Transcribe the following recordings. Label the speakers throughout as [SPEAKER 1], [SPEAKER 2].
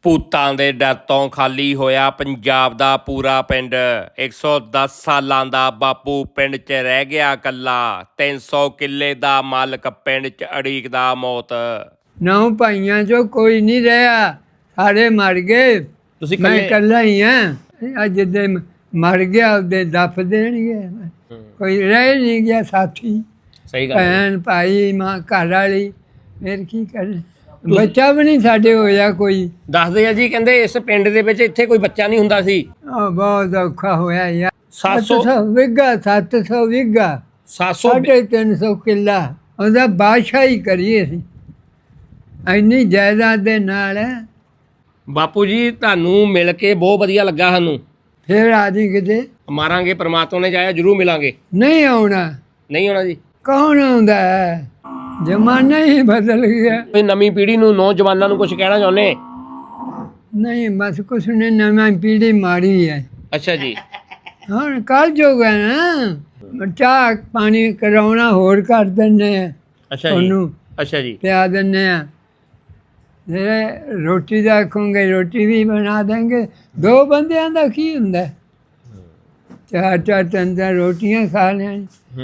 [SPEAKER 1] ਭੂਤਾਂ ਦੇ ਡਰ ਤੋਂ ਖਾਲੀ ਹੋਇਆ ਪੰਜਾਬ ਦਾ ਪੂਰਾ ਪਿੰਡ। 110 ਸਾਲਾਂ ਦਾ ਬਾਪੂ ਪਿੰਡ 'ਚ ਰਹਿ ਗਿਆ ਇਕੱਲਾ। 300 ਕਿੱਲੇ ਦਾ ਮਾਲਕ ਪਿੰਡ 'ਚ ਉਡੀਕਦਾ ਮੌਤ।
[SPEAKER 2] 9 ਭਾਈਆਂ 'ਚੋਂ ਕੋਈ ਨਹੀਂ ਰਿਹਾ, ਸਾਰੇ ਮਰ ਗਏ।
[SPEAKER 1] ਤੁਸੀਂ
[SPEAKER 2] ਮੈਂ ਇਕੱਲਾ ਹੀ ਹਾਂ। ਅੱਜ ਦੇ ਮਰ ਗਿਆ ਉਹਦੇ ਦਫ ਦੇਣਗੇ। ਕੋਈ ਰਹਿ ਨਹੀਂ ਗਿਆ ਸਾਥੀ,
[SPEAKER 1] ਸਹੀ ਗੱਲ।
[SPEAKER 2] ਭੈਣ ਭਾਈ ਮਾਂ ਘਰ ਵਾਲੀ, ਫਿਰ ਕੀ ਕਰੇ। ਬੱਚਾ ਵੀ ਨਹੀਂ ਸਾਡੇ ਹੋਇਆ ਕੋਈ।
[SPEAKER 1] ਦੱਸਦੇ ਆ ਜੀ, ਕਹਿੰਦੇ ਇਸ ਪਿੰਡ ਦੇ ਵਿੱਚ ਇੱਥੇ ਕੋਈ ਬੱਚਾ ਨਹੀਂ ਹੁੰਦਾ ਸੀ।
[SPEAKER 2] ਬਹੁਤ ਔਖਾ ਹੋਇਆ ਯਾਰ।
[SPEAKER 1] 700
[SPEAKER 2] ਵਿਗਾ 700 ਵਿਗਾ
[SPEAKER 1] 700
[SPEAKER 2] 350 ਕਿੱਲਾ ਉਹਦਾ ਬਾਦਸ਼ਾਹੀ ਕਰੀਏ ਸੀ ਇੰਨੀ ਜਾਇਦਾਦ ਦੇ ਨਾਲ।
[SPEAKER 1] ਬਾਪੂ ਜੀ ਤੁਹਾਨੂੰ ਮਿਲ ਕੇ ਬਹੁਤ ਵਧੀਆ ਲੱਗਾ ਸਾਨੂੰ।
[SPEAKER 2] ਫਿਰ ਆਦੀ ਕਿਤੇ
[SPEAKER 1] ਮਾਰਾਂਗੇ, ਪ੍ਰਮਾਤਮਾ ਨੇ ਚਾਹਿਆ ਜ਼ਰੂਰ ਮਿਲਾਂਗੇ।
[SPEAKER 2] ਨਹੀਂ ਆਉਣਾ।
[SPEAKER 1] ਨਹੀਂ ਹੋਣਾ ਜੀ।
[SPEAKER 2] ਕੌਣ ਆਉਂਦਾ ਹੈ? ਜ਼ਮਾਨਾ ਹੀ ਬਦਲ ਗਿਆ।
[SPEAKER 1] ਇਹ ਨਵੀਂ ਪੀੜ੍ਹੀ ਨੂੰ, ਨੌਜਵਾਨਾਂ ਨੂੰ ਕੁਝ ਕਹਿਣਾ ਚਾਹੁੰਦੇ?
[SPEAKER 2] ਨਹੀਂ ਬਸ ਕੁਛ ਨੇ, ਨਵੀਂ ਪੀੜ੍ਹੀ ਮਾੜੀ ਹੈ।
[SPEAKER 1] ਅੱਛਾ ਜੀ।
[SPEAKER 2] ਹੁਣ ਕੱਲ ਜੋਗਾ ਨਾ ਚਾਹ ਪਾਣੀ ਕਰਾਉਣਾ ਹੋਰ ਕਰ ਦਿੰਦੇ ਆ
[SPEAKER 1] ਅੱਛਾ ਜੀ।
[SPEAKER 2] ਉਹਨੂੰ
[SPEAKER 1] ਅੱਛਾ ਜੀ।
[SPEAKER 2] ਪਿਆ ਦਿੰਦੇ ਆ। ਫਿਰ ਰੋਟੀ ਦਾ ਆਖੋਗੇ, ਰੋਟੀ ਵੀ ਬਣਾ ਦੇਂਗੇ। 2 ਬੰਦਿਆਂ ਦਾ ਕੀ ਹੁੰਦਾ? 4-4 ਤਿੰਨ ਰੋਟੀਆਂ ਖਾ ਲੈਣ।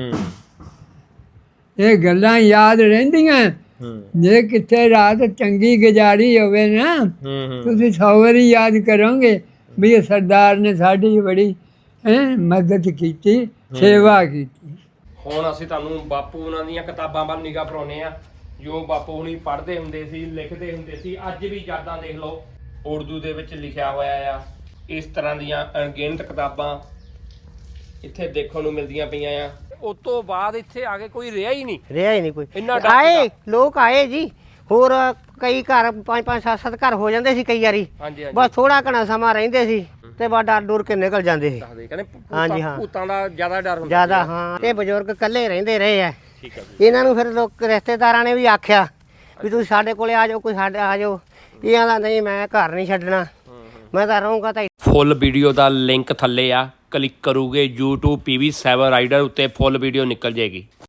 [SPEAKER 2] ਇਹ ਗੱਲਾਂ ਯਾਦ ਰਹਿੰਦੀਆਂ। ਜੇ ਕਿੱਥੇ ਰਾਤ ਚੰਗੀ ਗੁਜ਼ਾਰੀ ਹੋਵੇ ਨਾ, ਤੁਸੀਂ 100 ਵਾਰੀ ਯਾਦ ਕਰੋਗੇ ਵੀ ਇਹ ਸਰਦਾਰ ਨੇ ਸਾਡੀ ਬੜੀ ਮਦਦ ਕੀਤੀ, ਸੇਵਾ ਕੀਤੀ।
[SPEAKER 1] ਹੁਣ ਅਸੀਂ ਤੁਹਾਨੂੰ ਬਾਪੂ ਉਹਨਾਂ ਦੀਆਂ ਕਿਤਾਬਾਂ ਵੱਲ ਨਿਗਾਹ ਪਰਾਉਂਦੇ ਆ, ਜੋ ਬਾਪੂ ਹੁਣੀ ਪੜ੍ਹਦੇ ਹੁੰਦੇ ਸੀ, ਲਿਖਦੇ ਹੁੰਦੇ ਸੀ। ਅੱਜ ਵੀ ਯਾਦਾਂ ਦੇਖ ਲਓ, ਉਰਦੂ ਦੇ ਵਿੱਚ ਲਿਖਿਆ ਹੋਇਆ ਆ। ਇਸ ਤਰ੍ਹਾਂ ਦੀਆਂ ਅਣਗਿਣਤ ਕਿਤਾਬਾਂ ਇੱਥੇ ਦੇਖਣ ਨੂੰ ਮਿਲਦੀਆਂ ਪਈਆਂ ਆ। ਉਸ ਤੋਂ ਬਾਅਦ ਇੱਥੇ ਆ ਕੇ ਕੋਈ ਰਿਹਾ ਹੀ ਨਹੀਂ
[SPEAKER 3] ਕੋਈ।
[SPEAKER 1] ਇੰਨਾ ਡਰ
[SPEAKER 3] ਆਏ ਲੋਕ ਆਏ ਜੀ, ਹੋਰ ਕਈ ਘਰ 5-5 7-7 ਘਰ ਹੋ ਜਾਂਦੇ ਸੀ ਕਈ ਵਾਰੀ।
[SPEAKER 1] ਹਾਂਜੀ
[SPEAKER 3] ਬਸ ਥੋੜਾ ਘਣਾ ਸਮਾਂ ਰਹਿੰਦੇ ਸੀ ਤੇ ਬਸ ਡਰ ਡੁਰ ਕੇ ਨਿਕਲ ਜਾਂਦੇ ਸੀ।
[SPEAKER 1] ਕਹਿੰਦੇ
[SPEAKER 3] ਹਾਂਜੀ, ਹਾਂ।
[SPEAKER 1] ਭੂਤਾਂ ਦਾ ਜ਼ਿਆਦਾ ਡਰ ਹੁੰਦਾ।
[SPEAKER 3] ਜ਼ਿਆਦਾ, ਹਾਂ। ਇਹ ਬਜ਼ੁਰਗ ਇਕੱਲੇ ਰਹਿੰਦੇ ਰਹੇ ਆ।
[SPEAKER 1] ਠੀਕ ਹੈ ਜੀ।
[SPEAKER 3] ਇਹਨਾਂ ਨੂੰ ਫਿਰ ਲੋਕ ਰਿਸ਼ਤੇਦਾਰਾਂ ਨੇ ਵੀ ਆਖਿਆ ਵੀ ਤੁਸੀਂ ਸਾਡੇ ਕੋਲੇ ਆ ਜਾਓ, ਕੋਈ ਸਾਡੇ ਆ ਜਾਓ। ਇਹ ਆਂਦਾ ਨਹੀਂ, ਮੈਂ ਘਰ ਨਹੀਂ ਛੱਡਣਾ, ਮੈਂ ਤਾਂ ਰਹੂੰਗਾ। ਤਾਂ
[SPEAKER 1] ਫੁੱਲ ਵੀਡੀਓ ਦਾ ਲਿੰਕ ਥੱਲੇ ਆ, ਕਲਿੱਕ ਕਰੋਗੇ YouTube PV7 ਰਾਈਡਰ ਉੱਤੇ ਫੁੱਲ ਵੀਡੀਓ ਨਿਕਲ ਜਾਏਗੀ।